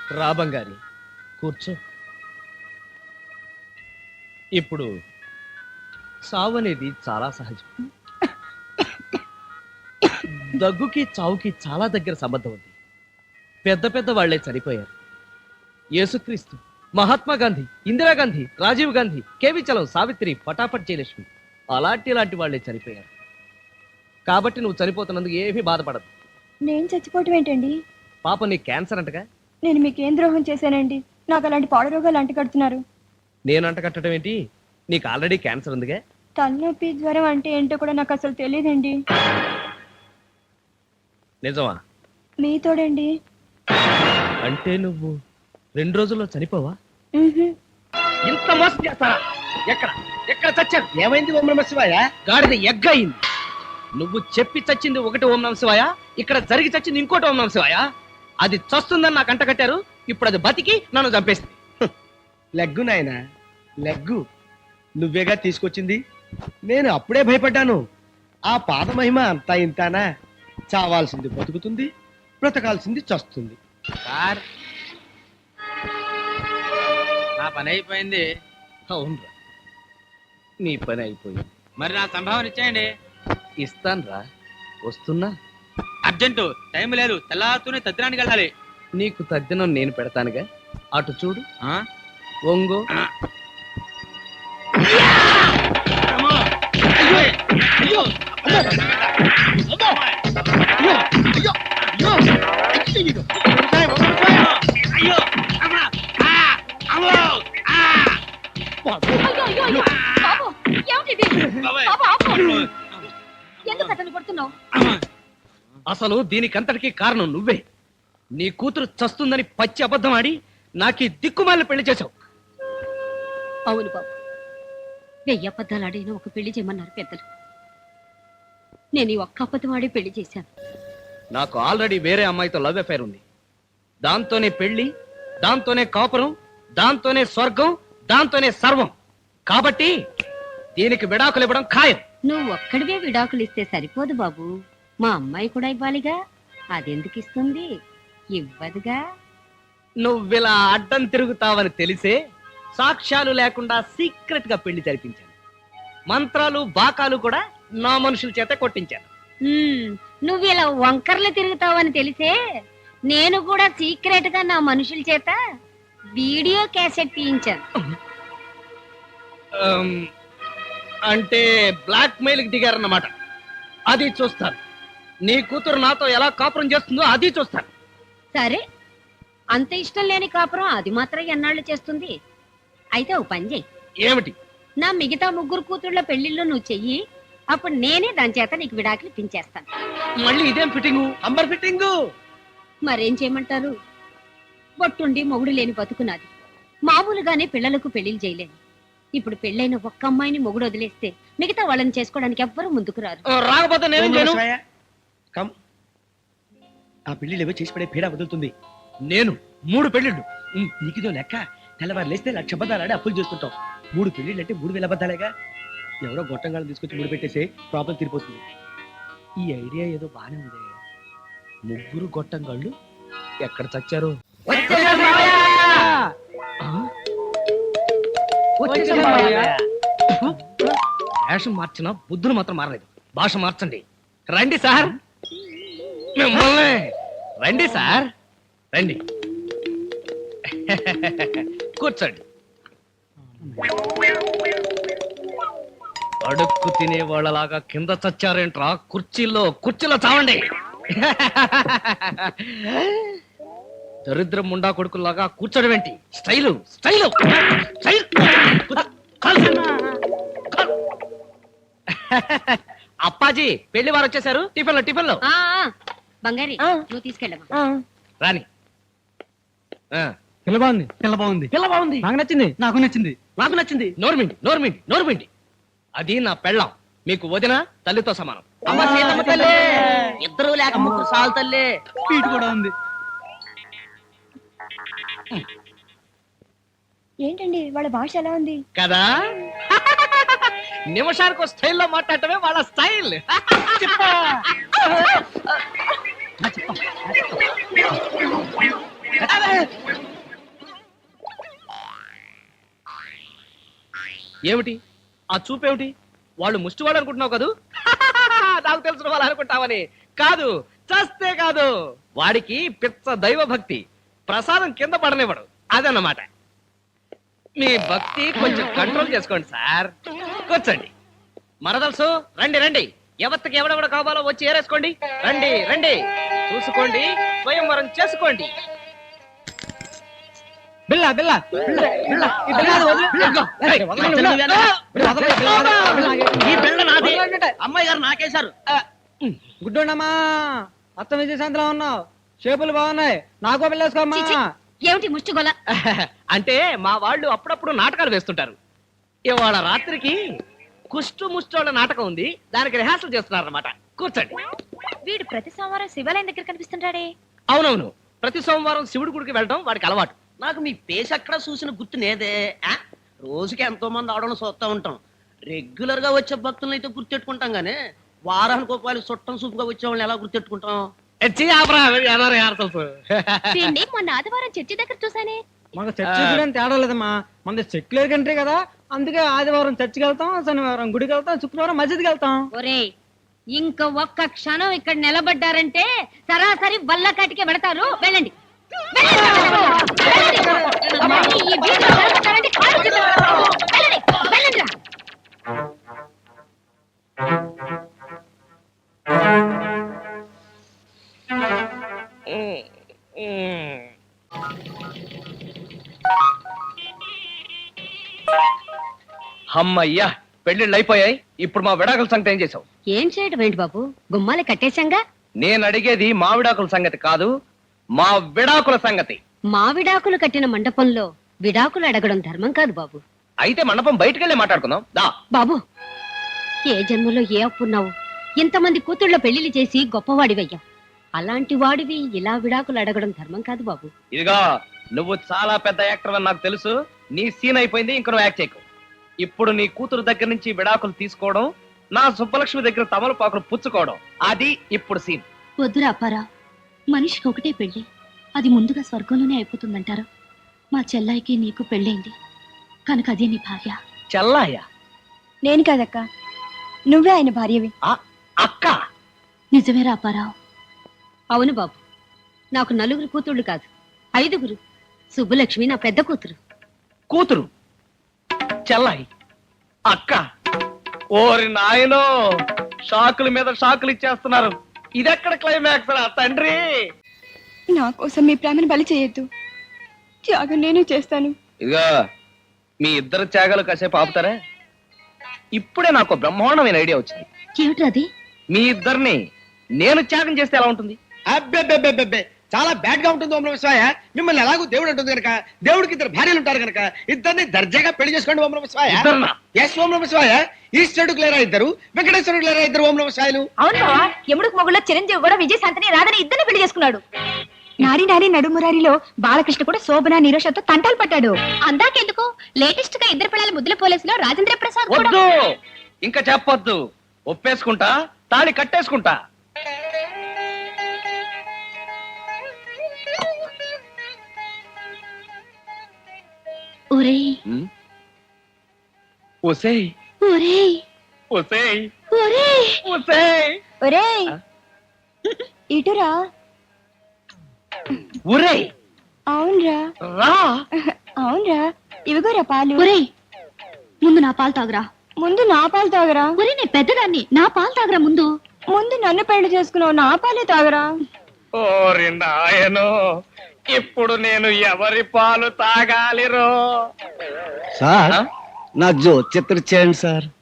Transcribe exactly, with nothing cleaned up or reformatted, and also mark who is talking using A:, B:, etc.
A: రా బంగారి, కూర్చో. ఇప్పుడు చావు అనేది చాలా సహజం. దగ్గుకి చావుకి చాలా దగ్గర సంబంధం ఉంది. పెద్ద పెద్ద వాళ్లే చనిపోయారు. యేసుక్రీస్తు, మహాత్మా గాంధీ, ఇందిరాగాంధీ, రాజీవ్ గాంధీ, కేవి చలం, సావిత్రి, పటాపట్ జయలక్ష్మి అలాంటి లాంటి వాళ్లే చనిపోయారు. కాబట్టి నువ్వు చనిపోతున్నందుకు ఏమీ బాధపడదు.
B: నేను చచ్చిపోవటం ఏంటండి?
A: పాప నీ క్యాన్సర్ అంటగా.
B: నేను మీకేం ద్రోహం చేశానండి? నాకు అలాంటి పాడు రోగాలు అంట కడుతున్నారు.
A: నేను అంట కట్టడం ఏంటి? నీకు ఆల్రెడీ క్యాన్సర్ ఉందిగా.
B: తలనొప్పి, జ్వరం అంటే ఏంటో కూడా నాకు అసలు తెలియదండి.
A: నిజమా?
B: మీతోడండి.
A: అంటే నువ్వు రెండు రోజుల్లో చనిపోవా?
C: ఇంత మోసం చేస్తారా? ఎక్కడ ఎక్కడ చచ్చారు?
A: ఏమైంది ఓం నమ శివాయ? గాడిద ఎగ్గ అయింది. నువ్వు చెప్పి చచ్చింది ఒకటి ఓం నమ శివాయ, ఇక్కడ జరిగి చచ్చింది ఇంకోటి ఓం నమ శివాయ. అది చస్తుందని నాకు అంట కట్టారు, ఇప్పుడు అది బతికి నన్ను చంపేసింది.
C: లెగ్గు నాయనా, లెగ్గు నువ్వేగా తీసుకొచ్చింది. నేను అప్పుడే భయపడ్డాను. ఆ పాద మహిమ అంతా ఇంతానా? చావాల్సింది బతుకుతుంది, బ్రతకాల్సింది చస్తుంది.
D: సార్, నా పని అయిపోయింది.
A: అవునరా, నీ పని అయిపోయింది.
D: మరి నా సంభావన ఇచ్చేయండి.
A: ఇస్తాను రా, వస్తున్నా.
D: అర్జెంటు, టైం లేదు. తెల్లారుతూనే తద్దినానికి వెళ్ళాలి.
A: నీకు తద్దినం నేను పెడతానుగా. అటు చూడు.
D: ఆ?
A: ఒంగో.
D: ఆ. అమ్మో! అయ్యో! అయ్యో! అమ్మో! అయ్యో! అయ్యో! అయ్యో! అయ్యో! అమ్మా! ఆ! అమ్మో! ఆ!
B: అయ్యో, అయ్యో, అయ్యో. బాబు, ఏమిటిది?
D: బాబాయ్!
B: బాబు, ఆపు. ఎందుకు అతను కొడుతున్నావు?
D: అమ్మా!
A: అసలు దీనికంతటికి కారణం నువ్వే. నీ కూతురు చస్తుందని పచ్చి అబద్ధం ఆడి నాకీ దిక్కుమాలిన పెళ్లి చేశావు.
E: అవును బాబు, వెయ్యి అబద్ధాలు ఆడిన ఒక పెళ్లి చేయమన్నారు పెద్దలు. నేను ఈ ఒక్క అబద్ధం ఆడి పెళ్లి చేశాను.
A: నాకు ఆల్రెడీ వేరే అమ్మాయితో లవ్ అఫైర్ ఉంది. దాంతోనే పెళ్లి, దాంతోనే కాపురం, దాంతోనే స్వర్గం, దాంతోనే సర్వం. కాబట్టి దీనికి విడాకులు ఇవ్వడం ఖాయం.
E: నువ్వు ఒక్కడివే విడాకులు ఇస్తే సరిపోదు బాబు, మా అమ్మాయి కూడా ఇవ్వాలిగా. అదెందుకు ఇస్తుంది? ఇవ్వదుగా.
A: నువ్విలా అడ్డం తిరుగుతావని తెలిసే సాక్ష్యాలు లేకుండా సీక్రెట్ గా పెళ్లి జరిపించాను. మంత్రాలు బాకాలు కూడా నా మనుషుల చేత కొట్టించాను.
E: ఉమ్, నువ్వు ఇలా వంకర్లు తిరుగుతావని తెలిసే నేను కూడా సీక్రెట్ గా నా మనుషుల చేత వీడియో క్యాసెట్ తీయించాను.
A: ఆమ్, అంటే బ్లాక్ మెయిల్ కి దిగారన్నమాట. అది చూస్తాను. నీ కూతురు నాతో ఎలా కాపురం చేస్తుందో అది చూస్తాను.
E: సరే, అంత ఇష్టం లేని కాపురం అది మాత్రం ఎన్నాళ్ళు చేస్తుంది? అయితే ఓ పని చెయ్యి.
A: ఏమిటి?
E: నా మిగతా ముగ్గురు కూతుళ్ళ పెళ్లిళ్ళు నువ్వు చెయ్యి. అప్పుడు నేనే దాని చేత నీకు విడాకులు పించేస్తాను.
A: మళ్ళీ ఇదేం ఫిట్టింగు?
C: Amber fitting.
E: మరేం చేయమంటారు? బొట్టుండి మొగుడు లేని బతుకునాది. మామూలుగానే పిల్లలకు పెళ్లిళ్ళు చేయలేను. ఇప్పుడు పెళ్ళైన ఒక్క అమ్మాయిని మొగుడు వదిలేస్తే మిగతా వాళ్ళని చేసుకోవడానికి ఎవ్వరూ ముందుకు రారు.
A: ఆ, రాకపోతే నేనేం చేయను?
C: కమ్, ఆ పెళ్లిళ్ళు ఏవో చేసి పడే పీడ వదులుతుంది.
A: నేను మూడు పెళ్లిళ్ళు.
C: నీకిదో లెక్క. తెల్లవారు లేస్తే లక్ష అబద్ధాలు అప్పులు చేస్తుంటాం. మూడు పెళ్లిళ్ళు అంటే మూడు వేల అబద్ధాలేగా. ఎవరో గొట్టంగాళ్ళు తీసుకొచ్చి మూడు పెట్టేసి ప్రాబ్లం తీరిపోతుంది. ఈ ఐడియా ఏదో బానే ఉంది.
A: ముగ్గురు గొట్టంగాళ్ళు ఎక్కడ చచ్చారు? వేషం మార్చిన బుద్ధులు మాత్రం మారలేదు. భాష మార్చండి. రండి సార్, మిమ్మల్ని. రండి సార్, రండి. కూర్చోండి. అడుక్కు తినే వాళ్ళలాగా కింద చచ్చారేంట్రా? కుర్చీల్లో కుర్చీలో చావండి. దరిద్రం ముండా కొడుకులాగా కూర్చోడం ఏంటి? Style style style. అప్పాజీ, పెళ్లి వారు వచ్చేసారు. టిఫిన్ లో టిఫిన్ లో
E: ఆ ఆ, బంగారి, నువ్వు తీసుకెళ్ళమ్మా.
A: రాని. ఆ,
F: పిల్ల బాగుంది, పిల్ల బాగుంది,
A: పిల్ల బాగుంది.
F: నాకు నచ్చింది, నాకు నచ్చింది,
A: నాకు నచ్చింది. నోర్మిండి నోర్మిండి నోర్మిండి. అది నా పెళ్ళాం. మీకు వదిన తల్లితో సమానం.
F: అమ్మ సీతమ్మ తల్లి.
A: ఇద్దరు లేక ముగ్గురు సాల్ తల్లి.
F: స్వీట్ కూడా ఉంది.
B: ఏంటండి వాళ్ళ భాష ఎలా ఉంది
A: కదా? నిమిషానికి స్టైల్లో మాట్లాడటమే వాళ్ళ స్టైల్.
F: చెప్ప
A: ఏమిటి ఆ చూపేమిటి? వాళ్ళు ముష్టి వాళ్ళు అనుకుంటున్నావు కదూ? నాకు తెలిసిన వాళ్ళు అనుకుంటావని కాదు, చస్తే కాదు. వాడికి పిచ్చ దైవ భక్తి, ప్రసాదం కింద పడనివ్వడు, అదన్నమాట. మీ భక్తి కొంచెం కంట్రోల్ చేసుకోండి సార్. కూర్చోండి. మరదలుసు రండి రండి, ఎవరికి ఎవడెవడ కావాలో వచ్చి ఏరేసుకోండి. రండి రండి, చూసుకోండి, స్వయంవరం చేసుకోండి.
F: బిల్ల బిల్ల బిల్ల బిల్ల ఈ బిల్ల అది వదిలే.
A: ఇదిగో, ఏయ్,
C: ఈ బిళ్ళ నాది. అమ్మాయి గారు నాకేశారు.
F: గుడ్డోండమ్మా, అత్త విజయశాంతిలో ఉన్నావు, షేపులు బాగున్నాయి, నాకో పిల్లేసుకోమ్మా.
E: చిచి, ఏమిటి ముష్టిగొల?
A: అంటే మా వాళ్ళు అప్పుడప్పుడు నాటకాలు వేస్తుంటారు. ఇవాళ రాత్రికి కుష్టు ముష్టోళ్ళ నాటకం ఉంది, దానికి రిహార్సల్ చేస్తున్నారు అన్నమాట. కూర్చోండి.
B: వీడు ప్రతి సోమవారం శివాలయం దగ్గర కనిపిస్తుంటాడే.
A: అవునవును, ప్రతి సోమవారం శివుడి గుడికి వెళ్ళడం వాడికి అలవాటు.
C: నాకు మీ పేస్ ఎక్కడ చూసిన గుర్తు నేదే. ఆ? రోజుకి ఎంతో మంది ఆడడం చూస్తూ ఉంటాం. రెగ్యులర్ గా వచ్చే భక్తులను అయితే గుర్తెట్టుకుంటాం గానీ వారానికి ఒక వాళ్ళు చుట్టం సూపుగా వచ్చే వాళ్ళని ఎలా గుర్తెట్టుకుంటాం?
A: ఎచ్చి ఆపరా, ఎలా రిహార్సల్స్?
B: వీడిని మొన్న ఆదివారం చర్చి దగ్గర చూసానే.
F: మాకు చర్చి చూడని తేడా లేదమ్మా, మన సెక్యులర్ కంట్రీ కదా, అందుకే ఆదివారం చర్చికి వెళ్తాం, శనివారం గుడికి వెళ్తాం, శుక్రవారం మస్జిద్కి వెళ్తాం.
E: ఒరే, ఇంక ఒక్క క్షణం ఇక్కడ నిలబడ్డారంటే సరాసరి వల్లకాటికే పెడతారు. వెళ్ళండి వెళ్ళండి, వెళ్ళండి. మళ్ళీ ఈ వీధిలో నిలబడ్డారంటే కాళ్ళు చేతులు పడతారు. వెళ్ళండి, వెళ్ళండిరా.
A: అమ్మయ్యా, పెళ్లిళ్ళు అయిపోయాయి. ఇప్పుడు మా విడాకుల సంగతి ఏం చేసావు?
E: ఏం చేయడం ఏంటి బాబు, గుమ్మాలే కట్టేశాంగా.
A: నేను అడిగేది మా విడాకుల సంగతి కాదు, మా విడాకుల సంగతి.
E: మా విడాకులు కట్టిన మండపంలో విడాకులు అడగడం ధర్మం కాదు బాబు.
A: అయితే మండపం బయటకెళ్ళి మాట్లాడుకుందాం దా.
E: బాబు, ఏ జన్మలో ఏ అప్పున్నావు? ఇంతమంది కూతుళ్ళ పెళ్లిళ్ళు చేసి గొప్పవాడివయ్యావు. అలాంటి వాడివి ఇలా విడాకులు అడగడం ధర్మం కాదు బాబు.
A: ఇదిగో, నువ్వు చాలా పెద్ద యాక్టర్ అని నాకు తెలుసు. నీ సీన్ అయిపోయింది, ఇంక నువ్వు యాక్ట్ చేయకు. ఇప్పుడు నీ కూతురు దగ్గర నుంచి విడాకులు తీసుకోవడం, నా సుబ్బలక్ష్మి దగ్గర తమలపాకులు పుచ్చుకోవడం, అది ఇప్పుడు సీన్.
B: వద్దురా అప్పారా, మనిషికి ఒకటే పెళ్లి, అది ముందుగా స్వర్గంలోనే అయిపోతుందంటారు. మా చెల్లాయికి నీకు పెళ్ళైంది కనుక అదే నీ భార్య.
A: చెల్లాయ?
B: నేను కాదక్క, నువ్వే ఆయన భార్యవి.
A: అక్క?
B: నిజమేరా అప్పారావు.
E: అవును బాబు, నాకు నలుగురు కూతుళ్ళు కాదు, ఐదుగురు. సుబ్బలక్ష్మి నా పెద్ద కూతురు.
A: కూతురు? చెల్లాయి? అక్క? ఓరి నాయనో, షాకుల మీద షాకులు ఇచ్చేస్తున్నారు. ఇదెక్కడ క్లైమాక్స్ రా తండ్రి?
B: నా కోసం మీ ప్రేమను బలి చేయొద్దు, త్యాగం నేను చేస్తాను.
A: ఇదిగో, మీ ఇద్దరు త్యాగాలు కాసేపు ఆపుతారా? ఇప్పుడే నాకు బ్రహ్మాండమైన ఐడియా వచ్చింది.
B: ఏమిట్రది?
A: మీ ఇద్దరిని నేను త్యాగం చేస్తే ఎలా ఉంటుంది?
C: అబ్బెబ్బెబ్బెబ్బెబ్బే, చాలా బ్యాడ్ గా ఉంటుంది ఓం నమః శివాయ. మిమ్మల్ని ఎలాగో దేవుడు అంటుంది కనుక, దేవుడికి ఇద్దరు భార్యలు ఉంటారు కనుక ఇద్దరిని దర్జాగా పెళ్లి చేసుకోండి ఓం నమః శివాయ.
A: ఇద్దరునా?
C: ఎస్ ఓం నమః శివాయ. ఈశ్వరుడికి లేరా ఇద్దరు, వెంకటేశ్వరుడికి లేరా ఇద్దరు ఓం నమః శివాయలు.
B: అవును బావా, యముడికి మొగుళ్ళ చిరంజీవి కూడా విజయశాంతిని రాధని ఇద్దరిని పెళ్లి చేసుకున్నాడు. నారి నారి నడుమురారిలో బాలకృష్ణ కూడా శోభన నీరోషతో తంటాలు పట్టాడు. అందాకెందుకు, లేటెస్ట్ గా ఇద్దరు పిల్లల ముద్దుల పోలీసులో రాజేంద్ర ప్రసాద్ కూడా.
A: వద్దు, ఇంకా చెప్పొద్దు. ఒప్పేసుకుంటా, తాళి కట్టేసుకుంటా.
B: ఒరేయ్
A: ఒసేయ్
B: ఒరేయ్
A: ఒసేయ్
B: ఒరేయ్
A: ఒసేయ్
B: ఒరేయ్, ఇటురా.
A: ఒరేయ్
B: అవునరా
A: రా.
B: అవునరా, ఇవిగోరా పాలు.
E: ఒరేయ్, ముందు నా పాలు తాగురా.
B: ముందు నా పాలు తాగరా.
E: ఒరే, నేను పెద్దదాన్ని, నా పాలు తాగురా ముందు.
B: ముందు నన్ను పెళ్లి చేసుకున్నావు, నా పాలే తాగరా.
A: ఓరి నాయనో, ఇప్పుడు నేను ఎవరి పాలు తాగాలిరో?
G: సార్, నా జో చిత్ర చేయండి సార్.